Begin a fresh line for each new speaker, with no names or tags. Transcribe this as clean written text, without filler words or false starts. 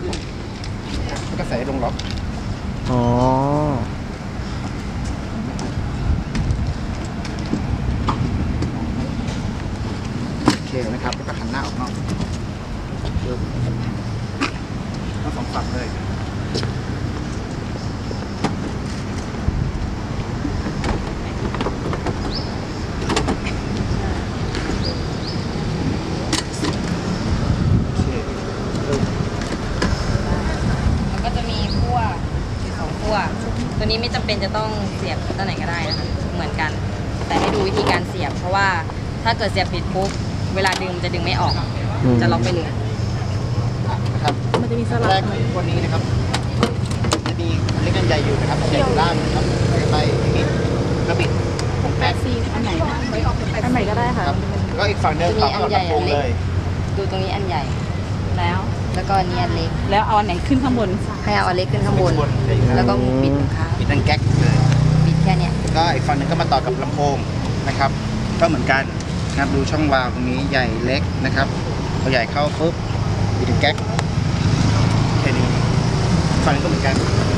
แล้วก็ใส่ลงล็อก
อ๋อ
โอเคนะครับแล้วก็หันหน้าออกนอกทั้งสองฝั่งเลย
ก็จะมีขั้วสองขั้วตัวนี้ไม่จำเป็นจะต้องเสียบตัวไหนก็ได้นะคะเหมือนกัน แต่ให้ดูวิธีการเสียบเพราะว่าถ้าเกิดเสียบผิดปุ๊บเวลาดึงมันจะดึงไม่ออกจะล็อกไปเลย
นะครับ
มันจะมีสลับ
แรกตัวนี้นะครับจะมีเล็กกันใหญ่อยู่นะครับใหญ่อยู่ล่างนะครับไปนิดกระบิดผมแป๊บ
อันไหนก็ได้ค่ะ
แล้วก็อีกฝั่งเดิมต่อกับตรงเลย
ดูตรงนี้อันใหญ่แล้วก็อันนี้อันเล็ก
แล้วเอาอันไหนขึ้นข้างบน
ให้เอาอันเล็กขึ้นข้างบนแล้วก็ปิดตรงข้าง
ปิดดังแก๊กเลย
ปิดแค่เนี้ย
ก็อีกฝั่งหนึ่งก็มาต่อกับลำโพงนะครับก็เหมือนกันนะครับดูช่องวาล์วตรงนี้ใหญ่เล็กนะครับพอใหญ่เข้าปุ๊บปิดดังแก๊กแค่นี้ฝั่งนี้ก็เหมือนกัน